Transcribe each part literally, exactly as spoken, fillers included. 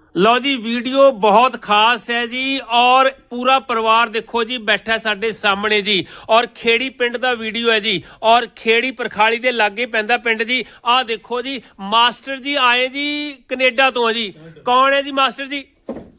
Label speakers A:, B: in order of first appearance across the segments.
A: लो जी video बहुत खास है जी और पूरा परिवार देखो जी बैठा साडे सामने जी और खेड़ी पिंड दा वीडियो है जी और खेड़ी परखाली दे लागे पैंदा पिंड जी। आ देखो जी मास्टर जी आए जी कनेडा तो जी। कौन है जी मास्टर जी?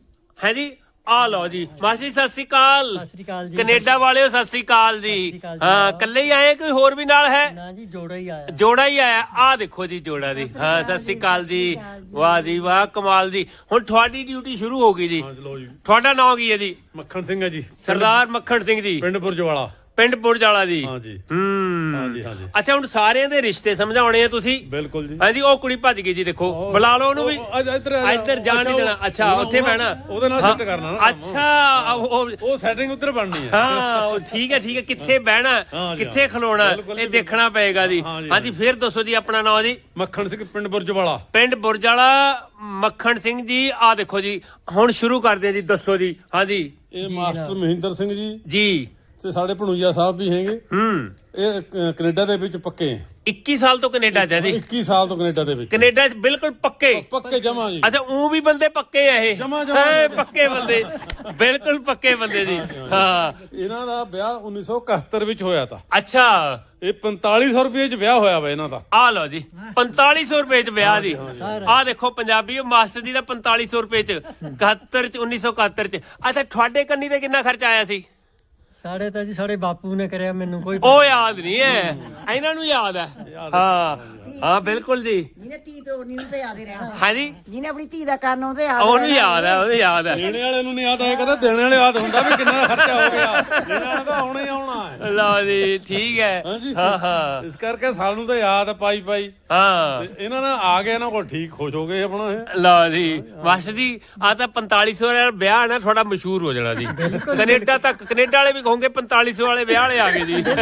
A: है जी आ लो जी मास्टर जी सत श्री अकाल।
B: सत श्री अकाल जी।
A: कनेडा वाले सत श्री अकाल जी। हाँ कल्ले ही आए कोई होर भी नाल है?
B: ना जी जोड़ा ही आया।
A: जोड़ा ही आया। आ देखो जी जोड़ा जी। हाँ सत श्री अकाल जी। वाह जी वाह कमाल जी। हुण तुहाडी ड्यूटी शुरू हो गई जी। तुहाडा नाम की है जी?
C: मक्खन सिंह है जी।
A: सरदार मक्खन सिंह जी
C: पिंड बुरजवाला।
A: ਪਿੰਡ ਬੁਰਜਾਲਾ ਜੀ।
C: ਹਾਂ ਜੀ
A: ਹੂੰ
C: ਹਾਂ ਜੀ ਹਾਂ ਜੀ।
A: ਅੱਛਾ ਹੁਣ ਸਾਰਿਆਂ ਦੇ ਰਿਸ਼ਤੇ ਸਮਝਾਉਣੇ ਆ ਤੁਸੀਂ?
C: ਬਿਲਕੁਲ ਜੀ।
A: ਹਾਂਜੀ ਉਹ ਕੁੜੀ ਭੱਜ ਗਈ ਜੀ ਦੇਖੋ ਬੁਲਾ ਲਓ ਉਹਨੂੰ ਵੀ।
C: ਇੱਧਰ
A: ਇੱਧਰ ਜਾਣ ਨਹੀਂ ਦੇਣਾ। ਅੱਛਾ ਉੱਥੇ ਬਹਿਣਾ
C: ਉਹਦੇ ਨਾਲ ਸੈੱਟ ਕਰਨਾ ਨਾ।
A: ਅੱਛਾ ਉਹ
C: ਉਹ ਸੈਟਿੰਗ ਉੱਧਰ ਬਣਨੀ ਹੈ।
A: ਹਾਂ ਉਹ ਠੀਕ ਹੈ ਠੀਕ ਹੈ ਕਿੱਥੇ ਬਹਿਣਾ ਕਿੱਥੇ ਖਲੋਣਾ ਇਹ ਦੇਖਣਾ ਪਏਗਾ ਜੀ। ਹਾਂਜੀ ਫਿਰ ਦੱਸੋ ਜੀ ਆਪਣਾ ਨਾਮ ਜੀ?
C: ਮੱਖਣ ਸਿੰਘ ਪਿੰਡ ਬੁਰਜਵਾਲਾ।
A: ਪਿੰਡ ਬੁਰਜਾਲਾ ਮੱਖਣ ਸਿੰਘ ਜੀ। ਆ ਦੇਖੋ ਜੀ ਹੁਣ ਸ਼ੁਰੂ ਕਰਦੇ ਆ ਜੀ ਦੱਸੋ ਜੀ। ਹਾਂਜੀ
C: ਇਹ ਮਾਸਟਰ ਮਹਿੰਦਰ ਸਿੰਘ ਜੀ
A: ਜੀ
C: ਤੇ ਸਾਡੇ ਭਣੂਜਾ ਸਾਹਿਬ ਵੀ ਹੈਗੇ।
A: ਹੂੰ
C: ਇਹ ਕ- ਕੈਨੇਡਾ ਦੇ ਵਿੱਚ ਪੱਕੇ ਹੈ।
A: ਇੱਕੀ ਸਾਲ ਤੋਂ ਕੈਨੇਡਾ ਚ ਹੈ ਜੀ।
C: ਇੱਕੀ ਸਾਲ ਤੋਂ ਕੈਨੇਡਾ ਦੇ ਵਿੱਚ
A: ਕੈਨੇਡਾ ਚ ਬਿਲਕੁਲ ਪੱਕੇ।
C: ਪੱਕੇ ਜਮਾ ਜੀ।
A: ਅੱਛਾ ਉਹ ਵੀ ਬੰਦੇ ਪੱਕੇ ਆ ਇਹ?
C: ਜਮਾਂ- ਜਮਾਂ।
A: ਹੈ ਪੱਕੇ ਬੰਦੇ ਬਿਲਕੁਲ ਪੱਕੇ ਬੰਦੇ ਜੀ। ਹਾਂ
C: ਇਹਨਾਂ ਦਾ ਵਿਆਹ ਉੱਨੀ ਸੌ ਇਕਹੱਤਰ ਵਿੱਚ ਹੋਇਆ ਤਾ।
A: ਅੱਛਾ
C: ਇਹ ਪੰਤਾਲੀ ਸੌ ਰੁਪਏ ਚ ਵਿਆਹ ਹੋਇਆ ਵਾ ਇਹਨਾਂ ਦਾ।
A: ਆ ਲਓ ਜੀ ਪੰਤਾਲੀ ਸੌ ਰੁਪਏ ਚ ਵਿਆਹ ਜੀ। ਆ ਦੇਖੋ ਪੰਜਾਬੀ ਮਾਸਟਰ ਜੀ ਦਾ ਪੰਤਾਲੀ ਸੌ ਰੁਪਏ ਚ ਇਕਹੱਤਰ ਚ ਉੱਨੀ ਸੌ ਇਕਹੱਤਰ ਚ। ਅੱਛਾ ਤੁਹਾਡੇ ਕੰਨੀ ਤੇ ਕਿੰਨਾ ਖਰਚਾ ਆਇਆ ਸੀ?
B: ਸਾਡੇ ਤਾਂ ਜੀ ਸਾਡੇ ਬਾਪੂ ਨੇ ਕਰਿਆ ਮੈਨੂੰ ਕੋਈ
A: ਉਹ ਯਾਦ ਨਹੀਂ ਹੈ ਇਹਨਾਂ ਨੂੰ ਯਾਦ ਹੈ। ਹਾਂ ਹਾਂ ਬਿਲਕੁਲ ਜੀ।
D: ਜਿਹਨੇ ਧੀ ਤੋਂ ਨਹੀਂ ਤੇ ਯਾਦ ਹੀ ਰਹਿਣਾ।
A: ਹਾਂਜੀ
D: ਜਿਹਨੇ ਆਪਣੀ ਧੀ ਦਾ ਕਰਨ ਉਹਦੇ ਯਾਦ
A: ਉਹਨੂੰ ਯਾਦ ਹੈ ਉਹਨੂੰ ਯਾਦ ਹੈ।
C: ਦੇਣੇ ਵਾਲੇ ਨੂੰ ਨਹੀਂ ਯਾਦ ਆਇਆ ਕਹਿੰਦਾ ਦੇਣੇ ਵਾਲੇ ਯਾਦ ਹੁੰਦਾ ਵੀ ਕਿੰਨਾ ਖਰਚਾ ਹੋ ਗਿਆ। ਦੇਣੇ ਵਾਲਾ ਤਾਂ ਆਉਣਾ ਹੀ ਆਉਣਾ ਹੈ।
A: ਲਓ ਜੀ ਠੀਕ ਹੈ।
C: ਹਾਂਜੀ।
A: ਹਾਂ ਹਾਂ
C: ਇਸ ਕਰਕੇ ਸਾਨੂੰ ਤਾਂ ਯਾਦ ਆ ਪਾਈ ਪਾਈ।
A: ਹਾਂ
C: ਤੇ ਇਹਨਾਂ ਨਾਲ ਆ ਗਏ ਇਹਨਾਂ ਕੋਲ ਠੀਕ ਖੁਸ਼ ਹੋ ਗਏ ਆਪਣਾ ਇਹ।
A: ਲਓ ਜੀ ਮਾਸਟਰ ਜੀ ਆ ਤਾਂ ਪੰਤਾਲੀ ਸੌ ਵਾਲਾ ਵਿਆਹ ਨਾ ਥੋੜਾ ਮਸ਼ਹੂਰ ਹੋ ਜਾਣਾ ਜੀ। ਕੈਨੇਡਾ ਤੱਕ ਕੈਨੇਡਾ ਵਾਲੇ ਵੀ ਕਹੋਗੇ ਪੰਤਾਲੀ ਸੌ ਵਾਲੇ ਵਿਆਹ ਵਾਲੇ ਆ ਗਏ ਜੀ।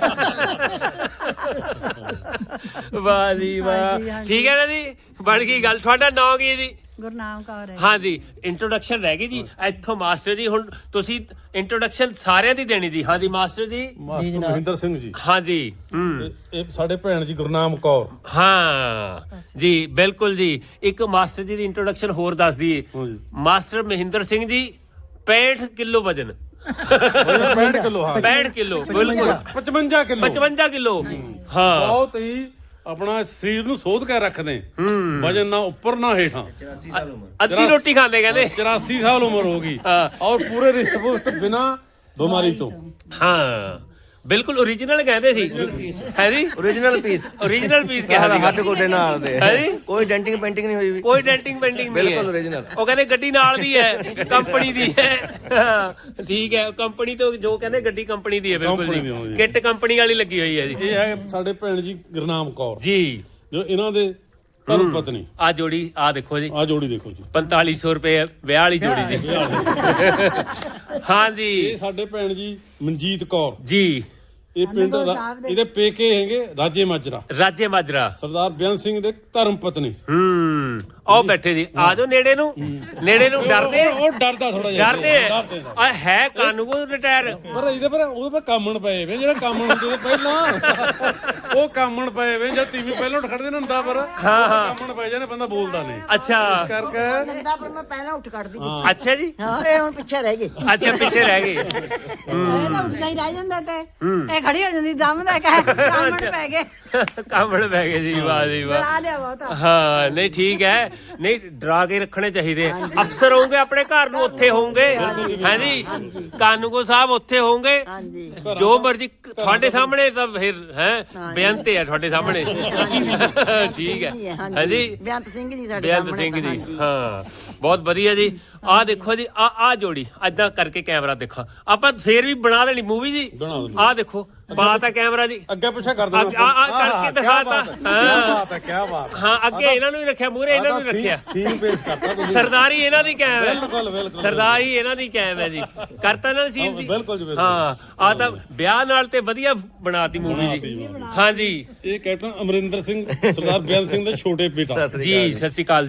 A: ਵਾਹ ਜੀ ਵਾਹ ਠੀਕ ਹੈ ਨਾ ਜੀ ਬਣ ਗਈ ਗੱਲ। ਤੁਹਾਡਾ ਨਾਮ ਕੀ ਹੈ ਜੀ?
D: ਗੁਰਨਾਮ ਕੌਰ ਹੈ।
A: ਹਾਂ ਜੀ ਇੰਟਰੋਡਕਸ਼ਨ ਰਹਿ ਗਈ ਜੀ ਇੱਥੋਂ ਮਾਸਟਰ ਜੀ ਹੁਣ ਤੁਸੀਂ ਇੰਟਰੋਡਕਸ਼ਨ ਸਾਰਿਆਂ ਦੀ ਦੇਣੀ ਜੀ। ਹਾਂ ਜੀ ਮਾਸਟਰ ਜੀ।
C: ਮਾਸਟਰ ਮਹਿੰਦਰ ਸਿੰਘ ਜੀ।
A: ਹਾਂ ਜੀ ਹੂੰ
C: ਤੇ ਇਹ ਸਾਡੇ ਭੈਣ ਜੀ ਗੁਰਨਾਮ ਕੌਰ।
A: ਹਾਂ ਜੀ ਬਿਲਕੁਲ ਜੀ। ਇੱਕ ਮਾਸਟਰ ਜੀ ਦੀ ਇੰਟਰੋਡਕਸ਼ਨ ਹੋਰ ਦੱਸ ਦਈਏ।
C: ਹਾਂਜੀ।
A: ਮਾਸਟਰ ਮਹਿੰਦਰ ਸਿੰਘ ਜੀ ਪੈਂਹਠ ਕਿਲੋ ਵਜਨ
C: ਪੈਂਹਠ ਕਿਲੋ ਹਾਂ।
A: ਪੈਂਹਠ ਕਿਲੋ ਬਿਲਕੁਲ
C: ਪਚਵੰਜਾ ਕਿਲੋ।
A: ਪਚਵੰਜਾ ਕਿਲੋ ਹਾਂ
C: ਬਹੁਤ ਹੀ ਆਪਣਾ ਸਰੀਰ ਨੂੰ ਸੋਧ ਕੇ ਰੱਖਦੇ। ਵਜਨ ਨਾ ਉੱਪਰ ਨਾ ਹੇਠਾਂ।
A: ਅੱਧੀ ਰੋਟੀ ਖਾਂਦੇ ਕਹਿੰਦੇ।
C: ਚੁਰਾਸੀ ਸਾਲ ਉਮਰ ਹੋ ਗਈ
A: ਹਾਂ।
C: ਔਰ ਪੂਰੇ ਰਿਸ਼ਟ ਪੁਸ਼ਟ ਬਿਨਾ ਬਿਮਾਰੀ ਤੋਂ।
A: ਹਾਂ ਬਿਲਕੁਲ ओरिजिनल ਕਹਿੰਦੇ ਸੀ ਹੈ ਜੀ।
E: ओरिजिनल पीस
A: ओरिजिनल ਪੀਸ ਕਿਹਾ ਸੀਗਾ
E: हट गोडे नाल दे
A: ਹੈ ਜੀ।
E: कोई डेंटिंग पेंटिंग नहीं हुई भी
A: ਕੋਈ ਡੈਂਟਿੰਗ ਪੈਂਟਿੰਗ ਨਹੀਂ
E: बिल्कुल
A: ਹੈ।
E: ओरिजिनल
A: ਉਹ ਕਹਿੰਦੇ ਗੱਡੀ ਨਾਲ ਦੀ ਹੈ ਕੰਪਨੀ ਦੀ ਹੈ। ਹਾਂ, ਠੀਕ ਹੈ ਕੰਪਨੀ ਤੋਂ ਜੋ ਕਹਿੰਦੇ ਗੱਡੀ ਕੰਪਨੀ ਦੀ ਹੈ ਬਿਲਕੁਲ
C: ਕੰਪਨੀ ਦੀ
A: ਜੀ
C: ਹੋਈ।
A: ਕਿੱਟ ਕੰਪਨੀ ਵਾਲੀ ਲੱਗੀ ਹੋਈ ਹੈ ਜੀ।
C: ਇਹ ਹੈ ਸਾਡੇ ਭੈਣ ਜੀ ਗੁਰਨਾਮ ਕੌਰ
A: ਜੀ
C: ਜੋ ਇਹਨਾਂ ਦੇ ਧਰਮ ਪਤਨੀ।
A: ਆ ਜੋੜੀ ਆ ਦੇਖੋ ਜੀ
C: ਆ ਜੋੜੀ ਦੇਖੋ ਜੀ।
A: ਪੰਤਾਲੀ ਸੌ ਰੁਪਏ ਵਿਆਹ ਵਾਲੀ ਜੋੜੀ ਦੀ। ਹਾਂ ਜੀ
C: ਇਹ ਸਾਡੇ ਭੈਣ ਜੀ ਮਨਜੀਤ ਕੌਰ।
A: ਜੀ
C: ਇਹ ਪਿੰਡ ਦਾ ਇਹਦੇ ਪੇਕੇ ਹੈਗੇ ਰਾਜੇ ਮਾਜਰਾ।
A: ਰਾਜੇ ਮਾਜਰਾ
C: ਸਰਦਾਰ ਬੇਅੰਤ ਸਿੰਘ ਦੇ ਧਰਮ ਪਤਨੀ।
A: ਹੂੰ ਉਹ ਬੈਠੇ ਜੀ ਆ ਜਾਓ ਨੇੜੇ ਨੂੰ ਨੇੜੇ ਨੂੰ ਡਰਦੇ
C: ਉਹ ਡਰਦਾ ਥੋੜਾ ਜਿਹਾ।
A: ਡਰਦੇ ਆ ਹੈ ਕਾਨੂੰਗੋ ਰਿਟਾਇਰ।
C: ਪਰ ਇਹਦੇ ਪਰ ਉਹਦੇ ਪਰ ਕਾਮਣ ਪਏ ਵੇ ਜਿਹੜਾ ਕਾਮਣ ਹੁੰਦੇ ਸੀ ਪਹਿਲਾਂ ਉਹ ਕਾਮਣ ਪਏ ਵੇ ਜਦ ਤੀਵੀਂ ਪਹਿਲਾਂ ਉੱਠ ਖੜਦੇ ਨੇ ਹੁੰਦਾ ਪਰ ਹਾਂ ਹਾਂ ਕਾਮਣ ਪਏ ਜਾਂਦੇ ਬੰਦਾ ਬੋਲਦਾ ਨਹੀਂ।
A: ਅੱਛਾ
C: ਇਸ ਕਰਕੇ
D: ਨੰਦਾ ਪਰ ਮੈਂ ਪਹਿਲਾਂ ਉੱਠ ਕੱਢਦੀ ਸੀ।
A: ਅੱਛਾ ਜੀ
D: ਹਾਂ ਇਹ ਹੁਣ ਪਿੱਛੇ ਰਹਿ ਗਏ।
A: ਅੱਛਾ ਪਿੱਛੇ ਰਹਿ ਗਏ।
D: ਇਹ ਤਾਂ ਉੱਠਦਾ ਹੀ ਰਹਿ ਜਾਂਦਾ ਤੇ ਇਹ ਖੜੀ ਹੋ ਜਾਂਦੀ ਦਮ ਦਾ ਕਹਿ ਕਾਮਣ ਪੈ ਗਏ।
A: ਕਾਮਣ ਪੈ ਗਏ ਜੀ ਵਾਹ ਜੀ ਵਾਹ।
D: ਡਰਾ ਲਿਆ ਬਹੁਤਾ।
A: ਹਾਂ ਨਹੀਂ ਠੀਕ ਹੈ ਨਹੀਂ ਡਰਾ ਕੇ ਰੱਖਣੇ ਚਾਹੀਦੇ। ਅਫਸਰ ਹੋਣਗੇ ਆਪਣੇ ਘਰ ਨੂੰ ਉੱਥੇ ਹੋਣਗੇ ਹੈ ਜੀ। ਕਾਨੂੰਗੋ ਸਾਹਿਬ ਉੱਥੇ ਹੋਣਗੇ
D: ਹਾਂਜੀ
A: ਜੋ ਮਰਜੀ ਤੁਹਾਡੇ ਸਾਹਮਣੇ ਤਾਂ ਫਿਰ ਹੈ ਬੇਅੰਤ ਹੈ ਤੁਹਾਡੇ ਸਾਹਮਣੇ। ਠੀਕ ਹੈ ਹੈ ਜੀ
D: ਬੇਅੰਤ ਸਿੰਘ ਜੀ ਸਾਡੇ
A: ਬੇਅੰਤ
D: ਸਾਹਮਣੇ
A: ਸਿੰਘ ਜੀ
D: ਹਾਂਜੀ।
A: ਹਾਂ ਬਹੁਤ ਵਧੀਆ ਜੀ। ਆ ਦੇਖੋ ਜੀ ਆ ਆ ਜੋੜੀ ਏਦਾਂ ਕਰਕੇ ਕੈਮਰਾ ਦੇਖਾਂ ਆਪਾਂ ਫੇਰ ਵੀ ਬਣਾ ਦੇਣੀ ਮੂਵੀ ਜੀ।
C: ਬਣਾ ਦੇਣੀ।
A: ਆ ਦੇਖੋ ਪਾਤਾ ਕੈਮਰਾ ਜੀ
C: ਅੱਗੇ ਪਿੱਛੇ ਕਰ
A: ਆ
C: ਦੇਣਾ।
A: ਆ ਕਰਕੇ ਦਿਖਾਤਾ।
C: ਕੀ ਬਾਤ ਹੈ ਕੀ ਬਾਤ।
A: ਹਾਂ ਅੱਗੇ ਇਹਨਾਂ ਨੂੰ ਹੀ ਰੱਖਿਆ ਮੂਹਰੇ ਇਹਨਾਂ ਨੂੰ ਹੀ ਰੱਖਿਆ।
C: ਸੀਨ ਪੇਸ਼ ਕਰਤਾ ਤੁਸੀਂ।
A: ਸਰਦਾਰੀ ਇਹਨਾਂ ਦੀ ਕਾਇਮ ਹੈ।
C: ਬਿਲਕੁਲ ਬਿਲਕੁਲ
A: ਸਰਦਾਰੀ ਇਹਨਾਂ ਦੀ ਕਾਇਮ ਹੈ ਜੀ। ਕਰਤਾ ਇਹਨਾਂ ਨੇ ਸੀਨ ਜੀ।
C: ਬਿਲਕੁਲ ਜੀ ਬਿਲਕੁਲ।
A: ਹਾਂ ਆ ਤਾਂ ਵਿਆਹ ਨਾਲ ਤੇ ਵਧੀਆ ਬਣਾਤੀ ਮੂਵੀ ਜੀ। ਹਾਂ ਜੀ
C: ਇਹ ਕੈਪਟਨ ਅਮਰਿੰਦਰ ਸਿੰਘ ਸਰਦਾਰ ਬੇਅੰਤ ਸਿੰਘ ਦਾ ਛੋਟੇ ਬੇਟਾ।
A: ਜੀ ਸਤਿ ਸ਼੍ਰੀ ਅਕਾਲ ਜੀ।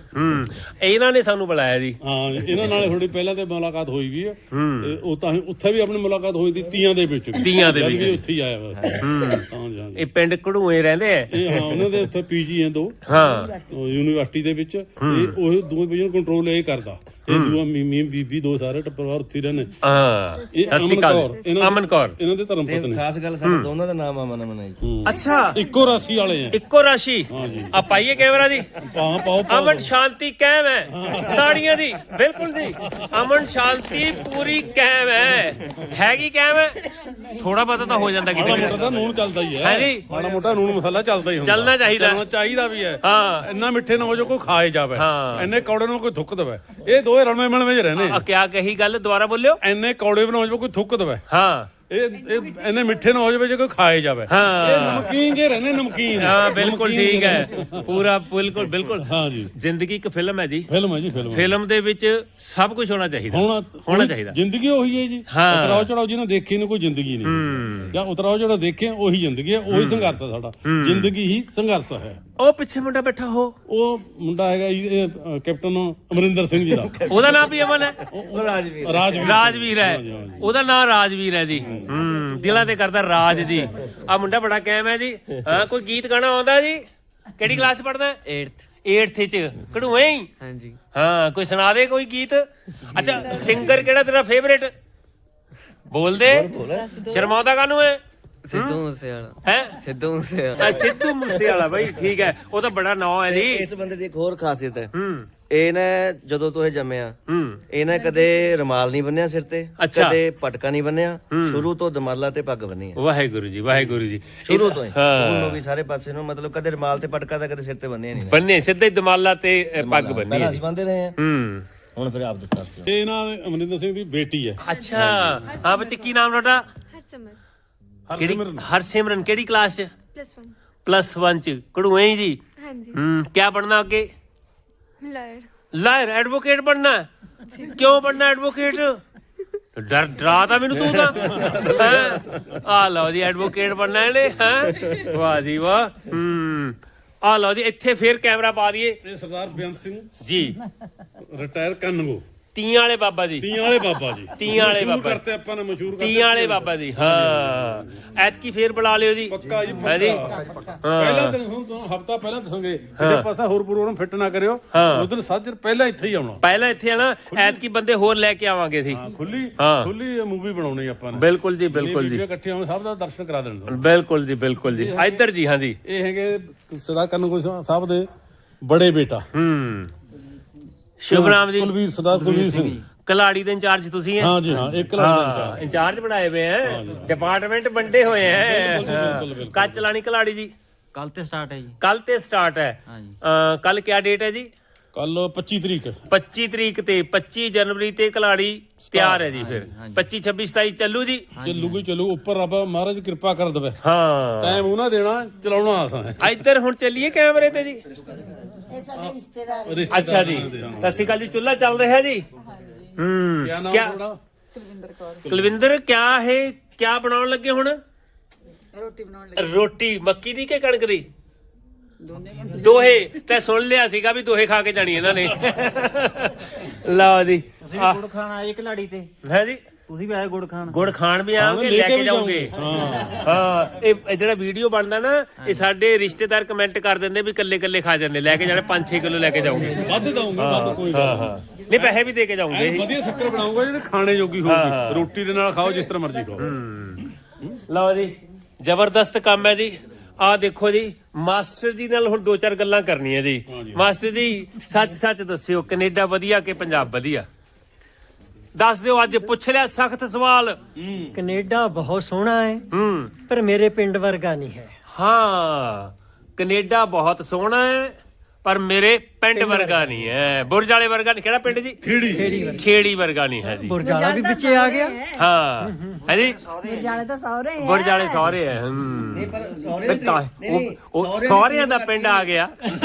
A: ਹੂੰ ਇਹਨਾਂ ਨੇ ਸਾਨੂੰ ਬੁਲਾਇਆ ਜੀ।
C: ਹਾਂ ਇਹਨਾਂ ਨਾਲ ਥੋੜੀ ਪਹਿਲਾਂ ਤੇ ਮੁਲਾਕਾਤ ਹੋਈ ਵੀ ਆ ਤੇ ਉਹ ਤਾਂ ਉੱਥੇ ਵੀ ਆਪਣੀ ਮੁਲਾਕਾਤ ਹੋਈ ਸੀ ਤੀਆਂ ਦੇ ਵਿੱਚ
A: ਤੀਆਂ ਦੇ
C: ਜਦ
A: ਵਿੱਚ
C: ਵੀ ਉੱਥੇ ਹੀ ਆਇਆ ਵਾ ਹਾਂ ਜੀ
A: ਇਹ ਪਿੰਡ ਘੜੂਏ ਰਹਿੰਦੇ ਆ
C: ਇਹ ਹਾਂ ਉਹਨਾਂ ਦੇ ਉੱਥੇ ਪੀਜੀ ਆ ਦੋ
A: ਹਾਂ
C: ਉਹ ਯੂਨੀਵਰਸਿਟੀ ਦੇ ਵਿੱਚ ਇਹ ਉਹ ਦੋਵੇਂ ਪੀਜੀ ਕੰਟਰੋਲ ਇਹ ਕਰਦਾ ਇਹ ਦੂਆ ਮੀਮੀ ਬੀਬੀ ਦੋ ਸਾਰੇ ਪਰਿਵਾਰ ਉੱਥੇ ਹੀ ਰਹਿੰਦੇ
A: ਹਾਂ
C: ਇਹ
A: ਸਤਿ ਸ਼੍ਰੀ
C: ਅਮਨ
A: ਅਕਾਲ
C: ਕੌਰ ਇਹਨਾਂ
A: ਅਮਨ ਕੌਰ
C: ਇਹਨਾਂ ਦੇ ਧਰਮ
E: ਤੇ
C: ਪਤਨੀ
E: ਖਾਸ ਗੱਲ ਸਾਡੇ ਦੋਨਾਂ ਦਾ ਨਾਮ ਅਮਨ ਅਮਨ ਹੈ ਜੀ।
A: ਅੱਛਾ
C: ਇੱਕੋ ਰਾਸ਼ੀ ਵਾਲੇ ਆ
A: ਇੱਕੋ ਰਾਸ਼ੀ
C: ਜੀ।
A: ਆ ਪਾਈਏ ਕੈਮਰਾ ਜੀ
C: ਪਾਓ ਪਾਓ ਪਾਓ
A: ਅਮਨ ਸ਼ਾਂਤੀ ਕਾਇਮ ਹੈ ਤਾੜੀਆਂ ਦੀ ਬਿਲਕੁਲ ਜੀ ਅਮਨ ਸ਼ਾਂਤੀ ਪੂਰੀ ਕਾਇਮ ਹੈ ਹੈਗੀ ਕਾਇਮ ਹੈ ਥੋੜਾ ਬਹੁਤਾ ਤਾਂ ਹੋ ਜਾਂਦਾ
C: ਮਾੜਾ
A: ਕਿਤੇ
C: ਮੋਟਾ ਤਾਂ ਨੂਨ ਚੱਲਦਾ ਹੀ ਹੈ
A: ਹੈ ਜੀ।
C: ਮਾੜਾ ਮੋਟਾ ਨੂਨ ਮਸਾਲਾ ਚੱਲਦਾ ਹੀ ਹੁੰਦਾ
A: ਚੱਲਣਾ ਚਾਹੀਦਾ।
C: ਚੱਲਣਾ ਚਾਹੀਦਾ ਵੀ ਹੈ
A: ਹਾਂ
C: ਇੰਨਾ ਮਿੱਠੇ ਨਾ ਹੋ ਜੋ ਕੋਈ ਖਾਏ ਜਾਵੇ
A: ਹਾਂ।
C: ਇੰਨੇ ਕੌੜੇ ਨੂੰ ਕੋਈ ਥੁੱਕ ਦਵੇ ਇਹ ਦੋਵੇਂ ਰਲਵੇਂ ਮਿਲਵੇਂ ਚ ਰਹਿੰਦੇ
A: ਆ ਕਿਆ ਕਹੀ ਗੱਲ ਦੁਬਾਰਾ ਬੋਲਿਓ
C: ਇੰਨੇ ਕੌੜੇ ਬਣਾਓ ਜੋ ਕੋਈ ਥੁੱਕ ਦਵੇ
A: ਹਾਂ
C: ਇਹ ਇਹ ਇੰਨੇ ਮਿੱਠੇ ਨਾ ਹੋ ਜਾਵੇ ਜੇ ਕੋਈ ਖਾਏ ਜਾਵੇ
A: ਹਾਂ।
C: ਇਹ ਨਮਕੀਨ ਜੇ ਰਹਿੰਦੇ ਨਮਕੀਨ
A: ਹਾਂ ਬਿਲਕੁਲ
C: ਨਮਕੀਨ
A: ਠੀਕ
C: ਜਿਹੇ
A: ਹੈ ਪੂਰਾ ਬਿਲਕੁਲ ਬਿਲਕੁਲ
C: ਹਾਂ ਜੀ
A: ਜ਼ਿੰਦਗੀ ਇੱਕ ਫਿਲਮ ਹੈ ਜੀ
C: ਫਿਲਮ ਹੈ ਜੀ ਫਿਲਮ
A: ਫਿਲਮ ਦੇ ਵਿੱਚ ਸਭ ਕੁਝ ਹੋਣਾ ਚਾਹੀਦਾ
C: ਹੋਣਾ
A: ਹੋਣਾ ਚਾਹੀਦਾ
C: ਜ਼ਿੰਦਗੀ ਉਹੀ ਹੈ ਜੀ
A: ਹਾਂ।
C: ਉਤਰਾਓ ਚੜਾਓ ਜਿਹਨੇ ਦੇਖੀ ਨੂੰ ਕੋਈ ਜ਼ਿੰਦਗੀ ਨਹੀਂ ਜਾਂ ਉਤਰਾਓ ਚੜਾਓ ਦੇਖੇ ਉਹੀ ਜ਼ਿੰਦਗੀ ਹੈ ਉਹੀ ਸੰਘਰਸ਼ ਹੈ ਸਾਡਾ ਜ਼ਿੰਦਗੀ ਹੀ ਸੰਘਰਸ਼ ਹੈ
A: ਉਹ ਪਿੱਛੇ ਮੁੰਡਾ ਬੈਠਾ ਹੋ
C: ਉਹ ਮੁੰਡਾ ਹੈਗਾ ਜੀ ਇਹ ਅ, ਕੈਪਟਨ ਅਮਰਿੰਦਰ ਸਿੰਘ ਜੀ ਦਾ
A: ਉਹਦਾ ਨਾਮ ਵੀ ਅਮਨ ਹੈ
E: ਉਹ ਰਾਜਵੀਰ
C: ਰਾਜਵੀਰ
A: ਰਾਜਵੀਰ ਹੈ ਉਹਦਾ ਨਾਮ ਰਾਜਵੀਰ ਹੈ ਜੀ ਹੂੰ ਦਿਲਾਂ ਤੇ ਕਰਦਾ ਰਾਜ ਜੀ ਆ ਮੁੰਡਾ ਬੜਾ ਕਾਇਮ ਹੈ ਜੀ ਹਾਂ ਕੋਈ ਗੀਤ ਗਾਣਾ ਆਉਂਦਾ ਜੀ ਕਿਹੜੀ ਕਲਾਸ ਚ ਪੜਦਾ
F: eighth
A: ਅੱਠਵੀਂ ਚ ਕਢੂਏ ਹੀ
F: ਹਾਂਜੀ
A: ਹਾਂ ਕੋਈ ਸੁਣਾ ਦੇ ਕੋਈ ਗੀਤ ਅੱਛਾ ਸਿੰਗਰ ਕਿਹੜਾ ਤੇਰਾ ਫੇਵਰੇਟ ਬੋਲ ਦੇ ਸ਼ਰਮਾਉਂਦਾ ਕਾਹਨੂੰ ਹੈ
F: ਸਿੱਧੂ ਮੂਸੇ ਵਾਲਾ
A: ਹੈ
F: ਸਿੱਧੂ ਮੂਸੇ ਵਾਲਾ
A: ਸਿੱਧੂ ਮੂਸੇ ਵਾਲਾ ਬਾਈ ਠੀਕ ਹੈ ਉਹ ਤਾਂ ਬੜਾ ਨਾਂ ਹੈ ਜੀ
E: ਇਸ ਬੰਦੇ ਦੀ ਇੱਕ ਹੋਰ ਖਾਸੀਅਤ ਹੈ
A: ਹੂੰ
E: ਇਹ ਨਾ ਜਦੋਂ ਤੋਂ ਇਹ ਜੰਮਿਆ
A: ਹੂੰ
E: ਇਹ ਨਾ ਕਦੇ ਰੁਮਾਲ ਨਹੀਂ ਬੰਨਿਆ ਸਿਰ ਤੇ
A: ਅੱਛਾ।
E: ਕਦੇ ਪਟਕਾ ਨਹੀਂ ਬੰਨਿਆ ਸ਼ੁਰੂ ਤੋਂ ਦਮਾਲਾ ਤੇ ਪੱਗ ਬੰਨੀ ਹੈ
A: ਵਾਹਿਗੁਰੂ ਜੀ ਵਾਹਿਗੁਰੂ ਜੀ
E: ਸ਼ੁਰੂ ਤੋਂ ਹੀ
A: ਹਾਂ।
E: ਸਕੂਲ ਨੂੰ ਵੀ ਸਾਰੇ ਪਾਸੇ ਨੂੰ ਮਤਲਬ ਕਦੇ ਰੁਮਾਲ ਤੇ ਪਟਕਾ ਤਾਂ ਕਦੇ ਸਿਰ ਤੇ ਬੰਨਿਆ ਨਹੀਂ
A: ਬੰਨੇ ਸਿੱਧੇ ਦਮਾਲਾ ਤੇ ਅ, ਪੱਗ ਬੰਨੀ
E: ਪਹਿਲਾਂ
A: ਹੈ
E: ਅਸੀਂ ਬੰਨਦੇ ਰਹੇ ਹਾਂ
A: ਹੂੰ
E: ਹੁਣ ਫਿਰ ਆਪ ਦਸਤਾਰ ਸੀ
C: ਤੇ ਇਹਨਾਂ ਦੇ ਅਮਰਿੰਦਰ ਸਿੰਘ ਦੀ ਬੇਟੀ ਹੈ
A: ਅੱਛਾ ਹਾਂ ਬੱਚੇ ਕੀ ਨਾਮ ਤੁਹਾਡਾ
G: ਹਰਸਮਰ
A: ਕਿਹੜੀ
C: ਹਰਸਿਮਰਨ
A: ਹਰਸਿਮਰਨ ਕਿਹੜੀ ਕਲਾਸ ਚ
G: ਪਲੱਸ one
A: ਪਲੱਸ ਵਨ ਚ ਕਢੂਏ ਹੀ ਜੀ
G: ਹਾਂਜੀ
A: ਹੂੰ ਕੀ ਬਣਨਾ ਅੱਗੇ
G: ਲਾਇਰ
A: ਲਾਇਰ ਐਡਵੋਕੇਟ ਬਣਨਾ ਹੈ? ਕਿਉਂ ਬਣਨਾ ਐਡਵੋਕੇਟ ਡਰ ਡਰਾਤਾ ਮੈਨੂੰ ਤੂੰ ਤਾਂ ਹੈਂ? ਆ ਲਓ ਜੀ ਐਡਵੋਕੇਟ ਬਣਨਾ ਇਹਨੇ ਹੈ ਵਾਹ ਜੀ ਵਾਹ ਹੂੰ ਆ ਲਓ ਜੀ ਇੱਥੇ ਫੇਰ ਕੈਮਰਾ ਪਾ ਦਈਏ
C: ਇਹ ਸਰਦਾਰ ਬੇਅੰਤ ਸਿੰਘ
A: ਜੀ
C: ਰਿਟਾਇਰ ਕੰਨਗੋ
A: ਤੀਆਂ ਵਾਲੇ ਬਾਬਾ ਜੀ
C: ਤੀਆਂ ਵਾਲੇ ਬਾਬਾ ਜੀ
A: ਤੀਆਂ ਵਾਲੇ
C: ਮਸ਼ਹੂਰ
A: ਬਾਬਾ।
C: ਕਰਤੇ ਆਪਾਂ ਨੇ ਮਸ਼ਹੂਰ ਕਰਤੇ
A: ਤੀਆਂ ਵਾਲੇ ਬਾਬਾ ਜੀ ਹਾਂ ਐਤਕੀ ਫੇਰ ਬੁਲਾ ਲਿਓ ਜੀ
C: ਪੱਕਾ ਜੀ
A: ਹੈ ਜੀ
C: ਪੱਕਾ। ਪਹਿਲਾਂ ਦਿਨ ਹੁਣ ਤੋਂ ਹਫਤਾ ਪਹਿਲਾਂ ਦੱਸਾਂਗੇ ਜਿਹੜੇ ਪਾਸਾ ਹੋਰ ਪ੍ਰੋਗਰਾਮ ਫਿੱਟ ਨਾ ਕਰਿਓ ਉਸ ਦਿਨ ਸਾਜਰ ਪਹਿਲਾਂ ਇੱਥੇ ਹੀ ਆਉਣਾ
A: ਪਹਿਲਾਂ ਇੱਥੇ ਆਣਾ ਐਤਕੀ ਬੰਦੇ ਹੋਰ ਲੈ ਕੇ ਆਵਾਂਗੇ ਸੀ
C: ਹਾਂ ਖੁੱਲੀ
A: ਹਾਂ।
C: ਖੁੱਲੀ ਮੂਵੀ ਬਣਾਉਣੀ ਆਪਾਂ ਨੇ
A: ਬਿਲਕੁਲ ਜੀ ਬਿਲਕੁਲ ਜੀ
C: ਬੀਬੀਆਂ ਇਕੱਠੀਆਂ ਹੋਣ ਸਭ ਦਾ ਦਰਸ਼ਨ ਕਰਾ ਦੇਣ ਦੋ
A: ਬਿਲਕੁਲ ਜੀ ਬਿਲਕੁਲ ਜੀ ਇੱਧਰ ਜੀ ਹਾਂ ਜੀ
C: ਇਹ ਹੈਗੇ ਸਰਦਾਰ ਕੰਨਗੋ ਸਾਹਿਬ ਦੇ ਬੜੇ ਬੇਟਾ
A: ਹੂੰ ਸ਼ੁਭ ਨਾਮ ਜੀ
C: ਕੁਲਵੀਰ ਸਰਦਾਰ ਕੁਲਵੀਰ ਸਿੰਘ
A: ਕਲਾੜੀ ਦੇ ਇੰਚਾਰਜ ਤੁਸੀਂ ਹੈ
C: ਹਾਂ ਜੀ ਹਾਂ ਇੱਕ ਲੱਖ
A: ਹਾਂ ਇੰਚਾਰਜ ਬਣਾਏ ਹੋਏ ਹੈ ਡਿਪਾਰਟਮੈਂਟ ਵੰਡੇ ਹੋਏ ਹੈ ਕੱਚ ਚਲਾਣੀ ਕਲਾੜੀ ਜੀ
B: ਕੱਲ ਤੇ ਸਟਾਰਟ ਹੈ ਜੀ
A: ਕੱਲ ਤੇ ਸਟਾਰਟ ਹੈ ਕੱਲ ਕਿਆ ਡੇਟ ਹੈ ਜੀ
C: ਕੱਲ ਪੱਚੀ ਤਰੀਕ
A: ਪੱਚੀ ਤਰੀਕ ਤੇ ਪੱਚੀ ਜਨਵਰੀ ਤੇ ਕਲਾੜੀ ਤਿਆਰ ਹੈ ਜੀ ਫਿਰ ਪੱਚੀ ਛੱਬੀ ਸਤਾਈ ਚੱਲੂ ਜੀ
C: ਚੱਲੂਗੀ ਚੱਲੂ ਉੱਪਰ ਰੱਬ ਮਹਾਰਾਜ ਕਿਰਪਾ ਕਰ ਦੇਵੇ
A: ਹਾਂ
C: ਟਾਈਮ ਉਹਨਾਂ ਦੇਣਾ ਚਲਾਉਣਾ ਆਸਾਂ ਹੈ
A: ਇੱਧਰ ਹੁਣ ਚੱਲੀਏ ਕੈਮਰੇ ਤੇ ਜੀ
D: ਇਹ ਸਾਡੇ ਰਿਸ਼ਤੇਦਾਰ
A: ਅੱਛਾ ਜੀ ਸਤਿ ਸ਼੍ਰੀ ਅਕਾਲ ਜੀ ਚੁੱਲ੍ਹਾ ਚੱਲ ਰਿਹਾ ਜੀ ਹੂੰ
C: ਕਿਆ ਨਾਮ
A: ਕਿਆ
C: ਤੁਹਾਡਾ
A: ਕੁਲਵਿੰਦਰ ਕਿਆ ਹੈ ਕਿਆ ਬਣਾਉਣ ਲੱਗੇ ਹੁਣ
D: ਰੋਟੀ ਬਣਾਉਣ ਲੱਗੇ
A: ਰੋਟੀ ਮੱਕੀ ਦੀ ਕਿ ਕਣਕ ਦੀ ਦੋਹੇ ਤੇ ਸੁਣ ਲਿਆ ਸੀਗਾ ਵੀ ਦੋਹੇ ਖਾ ਕੇ ਜਾਣੀ ਇਹਨਾਂ ਨੇ ਲਓ ਜੀ
B: ਤੁਸੀਂ ਗੁੜ ਖਾਣ ਆਏ ਖਿਲਾੜੀ ਤੇ
A: ਹੈ ਜੀ
B: ਤੁਸੀਂ ਵੀ ਆਏ ਗੁੜ ਖਾਣ
A: ਗੁੜ ਖਾਣ ਵੀ ਆਓਗੇ ਲੈ ਕੇ ਜਾਓਗੇ ਹਾਂ ਇਹ ਇਹ ਜਿਹੜਾ ਵੀਡੀਓ ਬਣਦਾ ਨਾ ਇਹ ਸਾਡੇ ਰਿਸ਼ਤੇਦਾਰ ਕਮੈਂਟ ਕਰ ਦਿੰਦੇ ਵੀ ਕੱਲੇ ਕੱਲੇ ਖਾ ਜਾਂਦੇ ਲੈ ਕੇ ਜਾਣੇ ਪੰਜ ਛੇ ਕਿਲੋ ਲੈ ਕੇ ਜਾਓਗੇ
C: ਵੱਧ ਦਊਂਗੇ ਵੱਧ ਕੋਈ ਗੱਲ ਨਹੀਂ
A: ਨਹੀਂ ਪੈਸੇ ਵੀ ਦੇ ਕੇ ਜਾਓਗੇ
C: ਐਨ ਵਧੀਆ ਸ਼ੱਕਰ ਬਣਾਉਂਗਾ ਜਿਹੜੇ ਖਾਣੇ ਜੋਗੀ ਹੋਊਗੀ ਰੋਟੀ ਦੇ ਨਾਲ ਖਾਓ ਜਿਸ ਤਰ੍ਹਾਂ ਮਰਜ਼ੀ ਖਾਓ
A: ਲਓ ਜੀ ਜ਼ਬਰਦਸਤ ਕੰਮ ਹੈ ਜੀ ਆਹ ਦੇਖੋ ਜੀ ਮਾਸਟਰ ਜੀ ਨਾਲ ਹੁਣ ਦੋ ਚਾਰ ਗੱਲਾਂ ਕਰਨੀਆਂ ਜੀ ਮਾਸਟਰ ਜੀ ਸੱਚ ਸੱਚ ਦੱਸਿਓ ਕੈਨੇਡਾ ਵਧੀਆ ਕਿ ਪੰਜਾਬ ਵਧੀਆ ਦੱਸ ਦਿਓ ਅੱਜ ਪੁੱਛ ਲਿਆ ਸਖਤ ਸਵਾਲ
B: ਕੈਨੇਡਾ ਬਹੁਤ ਸੋਹਣਾ ਹੈ
A: ਹੂੰ
B: ਪਰ ਮੇਰੇ ਪਿੰਡ ਵਰਗਾ ਨਹੀਂ ਹੈ
A: ਹਾਂ ਕੈਨੇਡਾ ਬਹੁਤ ਸੋਹਣਾ ਹੈ ਪਰ ਮੇਰੇ ਪਿੰਡ ਵਰਗਾ ਨਹੀਂ ਹੈ ਬੁਰਜ ਵਾਲੇ ਵਰਗਾ ਨਹੀਂ ਕਿਹੜਾ ਪਿੰਡ ਜੀ
C: ਖੇੜੀ
A: ਖੇੜੀ ਵਰਗਾ ਨਹੀਂ ਹੈ ਜੀ
B: ਬੁਰਜਾਲਾ ਵੀ ਵਿੱਚੇ ਆ ਗਿਆ
A: ਹਾਂ ਹਾਂਜੀ
D: ਬੁਰਜਾਲੇ ਤਾਂ ਸਹੁਰੇ ਆ
A: ਬੁਰਜ ਵਾਲੇ ਸਹੁਰੇ ਆ ਹੂੰ
E: ਨਹੀਂ ਪਰ ਸਹੁਰੇ
A: ਫਿਰ ਤਾਂ ਉਹ- ਉਹ ਸਹੁਰਿਆਂ ਦਾ ਪਿੰਡ ਆ ਗਿਆ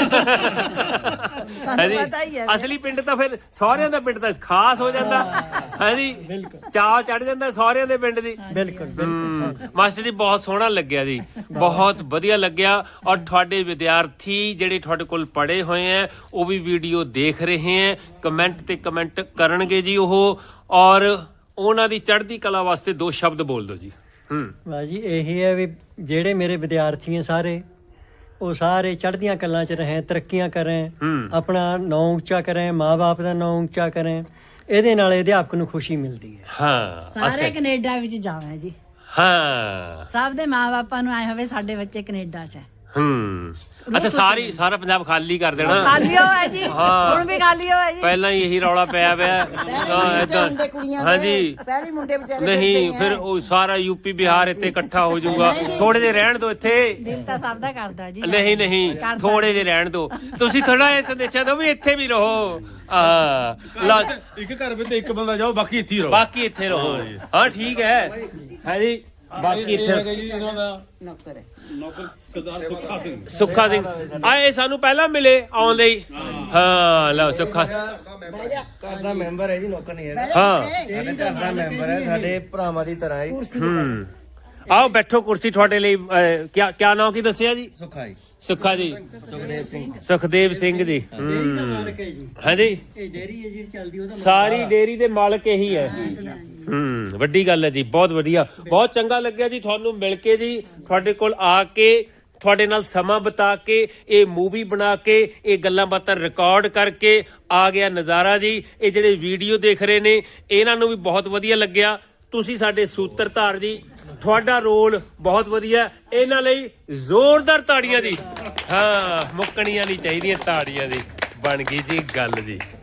A: ਹਾਂਜੀ
D: ਪਤਾ ਹੀ ਹੈ
A: ਅਸਲੀ ਪਿੰਡ ਤਾਂ ਫਿਰ ਸਹੁਰਿਆਂ ਦਾ ਪਿੰਡ ਤਾਂ ਖਾਸ ਹੋ ਜਾਂਦਾ ਹਾਂਜੀ ਚਾਅ ਚੜ ਜਾਂਦਾ ਸਹੁਰਿਆਂ ਦੇ ਪਿੰਡ ਦੀ
B: ਬਿਲਕੁਲ ਬਿਲਕੁਲ
A: ਮਾਸਟਰ ਜੀ ਬਹੁਤ ਸੋਹਣਾ ਲੱਗਿਆ ਜੀ ਬਹੁਤ ਵਧੀਆ ਲੱਗਿਆ ਔਰ ਤੁਹਾਡੇ ਵਿਦਿਆਰਥੀ ਜਿਹੜੇ ਤੁਹਾਡੇ ਕੋਲ ਪੜ੍ਹੇ ਹੋਏ ਆ ਉਹ ਵੀ ਵੀਡੀਓ ਦੇਖ ਰਹੇ ਹੈ ਕਮੈਂਟ ਤੇ ਕਮੈਂਟ ਕਰਨਗੇ ਜੀ ਉਹ ਔਰ ਉਹਨਾਂ ਦੀ ਚੜ੍ਹਦੀ ਕਲਾ ਵਾਸਤੇ ਦੋ ਸ਼ਬਦ ਬੋਲ ਦਿਓ ਜੀ ਹੂੰ
B: ਬਾਜੀ ਇਹੀ ਹੈ ਵੀ ਜਿਹੜੇ ਮੇਰੇ ਵਿਦਿਆਰਥੀ ਹੈ ਸਾਰੇ ਉਹ ਸਾਰੇ ਚੜ੍ਹਦੀਆਂ ਕਲਾਂ 'ਚ ਰਹੇ ਤਰੱਕੀਆਂ ਕਰੇ
A: ਹੂੰ
B: ਆਪਣਾ ਨਾਂ ਉੱਚਾ ਕਰੇ ਮਾਂ-ਬਾਪ ਦਾ ਨਾਂ ਉੱਚਾ ਕਰੇ ਇਹਦੇ ਨਾਲ ਅਧਿਆਪਕ ਨੂੰ ਖੁਸ਼ੀ ਮਿਲਦੀ ਹੈ
A: ਹਾਂ
D: ਸਾਰੇ ਕੈਨੇਡਾ ਵਿੱਚ ਜਾਣਾ ਜੀ
A: ਹਾਂ
D: ਸਭ ਦੇ ਮਾਪੇ ਨੂੰ ਆਏ ਹੋਵੇ ਸਾਡੇ ਬੱਚੇ ਕੈਨੇਡਾ 'ਚ ਹੈ
A: ਹੂੰ ਅੱਛਾ ਸਾਰੀ ਸਾਰਾ ਪੰਜਾਬ ਖਾਲੀ ਕਰ ਦੇਣਾ
D: ਖਾਲੀ ਹੋਇਆ ਜੀ
A: ਹਾਂ।
D: ਹੁਣ ਵੀ ਖਾਲੀ ਹੋਇਆ ਜੀ
A: ਪਹਿਲਾਂ ਹੀ ਇਹੀ ਰੌਲਾ ਪਿਆ ਪਿਆ ਹਾਂ, ਏਦਾਂ ਹਾਂਜੀ
D: ਪਹਿਲੀ ਮੁੰਡੇ ਵਿਚਾਰੇ
A: ਨਹੀਂ ਫਿਰ ਉਹ ਸਾਰਾ ਯੂਪੀ ਬਿਹਾਰ ਇੱਥੇ ਇਕੱਠਾ ਹੋ ਜਾਊਗਾ ਥੋੜੇ ਜਿਹੇ ਰਹਿਣ ਦਿਓ ਇੱਥੇ
D: ਦਿਲ ਤਾਂ ਸਭ ਦਾ ਕਰਦਾ ਜੀ
A: ਨਹੀਂ ਨਹੀਂ
D: ਕਰਦਾ।
A: ਥੋੜੇ ਜਿਹੇ ਰਹਿਣ ਦਿਓ ਤੁਸੀਂ ਥੋੜਾ ਇਹ ਸੰਦੇਸ਼ਾ ਦਿਓ ਵੀ ਇੱਥੇ ਵੀ ਰਹੋ ਆ ਲਾ
C: ਇੱਕ ਘਰ ਵਿੱਚ ਇੱਕ ਬੰਦਾ ਜਾਓ ਬਾਕੀ ਇੱਥੇ ਹੀ ਰਹੋ
A: ਬਾਕੀ ਇੱਥੇ ਰਹੋ ਹਾਂ ਠੀਕ ਹੈ ਹਾਂਜੀ ਬਾਕੀ ਇੱਥੇ
C: ਹੈਗਾ ਜੀ ਇਹਨਾਂ ਦਾ ਨੌਕਰ ਨੌਕਰ ਸਰਦਾਰ ਸੁੱਖਾ ਸਿੰਘ
A: ਸੁੱਖਾ ਸਿੰਘ ਆਏ ਸਾਨੂੰ ਪਹਿਲਾਂ ਮਿਲੇ ਆਉਂਦੇ ਹੀ ਹਾਂ ਲਓ ਸੁੱਖਾ
E: ਘਰ ਦਾ ਮੈਂਬਰ ਹੈ ਜੀ ਨੌਕਰ ਨਹੀਂ ਹੈਗਾ
A: ਹਾਂ
E: ਸਾਡੇ ਘਰ ਦਾ ਮੈਂਬਰ ਹੈ ਸਾਡੇ ਭਰਾਵਾਂ ਦੀ ਤਰ੍ਹਾਂ ਹੀ
A: ਹੂੰ ਆਓ ਬੈਠੋ ਕੁਰਸੀ ਤੁਹਾਡੇ ਲਈ ਅਹ, ਕਿਆ ਕਿਆ ਨਾਮ ਕੀ ਦੱਸਿਆ ਜੀ
E: ਸੁੱਖਾ ਜੀ
A: ਸੁੱਖਾ ਜੀ
E: ਸੁਖਦੇਵ ਸਿੰਘ
A: ਸੁਖਦੇਵ ਸਿੰਘ ਜੀ
B: ਡੇਰੀ ਦਾ
A: ਹੂੰ
B: ਮਾਲਕ ਹੈ ਜੀ
A: ਹਾਂਜੀ
B: ਇਹ ਡੇਰੀ ਹੈ ਜਿਹੜੀ ਚੱਲਦੀ ਉਹਦਾ
A: ਸਾਰੀ ਡੇਰੀ ਦੇ ਮਾਲਕ ਇਹੀ ਹੈ ਹੂੰ ਵੱਡੀ ਗੱਲ ਹੈ ਜੀ ਬਹੁਤ ਵਧੀਆ ਬਹੁਤ ਚੰਗਾ ਲੱਗਿਆ ਜੀ ਤੁਹਾਨੂੰ ਮਿਲ ਕੇ ਜੀ ਤੁਹਾਡੇ ਕੋਲ ਆ ਕੇ ਤੁਹਾਡੇ ਨਾਲ ਸਮਾਂ ਬਿਤਾ ਕੇ ਇਹ ਮੂਵੀ ਬਣਾ ਕੇ ਇਹ ਗੱਲਾਂ ਬਾਤਾਂ ਰਿਕਾਰਡ ਕਰਕੇ ਆ ਗਿਆ ਨਜ਼ਾਰਾ ਜੀ ਇਹ ਜਿਹੜੇ ਵੀਡੀਓ ਦੇਖ ਰਹੇ ਨੇ ਇਹਨਾਂ ਨੂੰ ਵੀ ਬਹੁਤ ਵਧੀਆ ਲੱਗਿਆ ਤੁਸੀਂ ਸਾਡੇ ਸੂਤਰਧਾਰ ਜੀ ਤੁਹਾਡਾ ਰੋਲ ਬਹੁਤ ਵਧੀਆ ਇਹਨਾਂ ਲਈ ਜ਼ੋਰਦਾਰ ਤਾੜੀਆਂ ਜੀ ਹਾਂ ਮੁੱਕਣੀਆਂ ਨਹੀਂ ਚਾਹੀਦੀਆਂ ਤਾੜੀਆਂ ਦੀ ਬਣ ਗਈ ਜੀ ਗੱਲ ਜੀ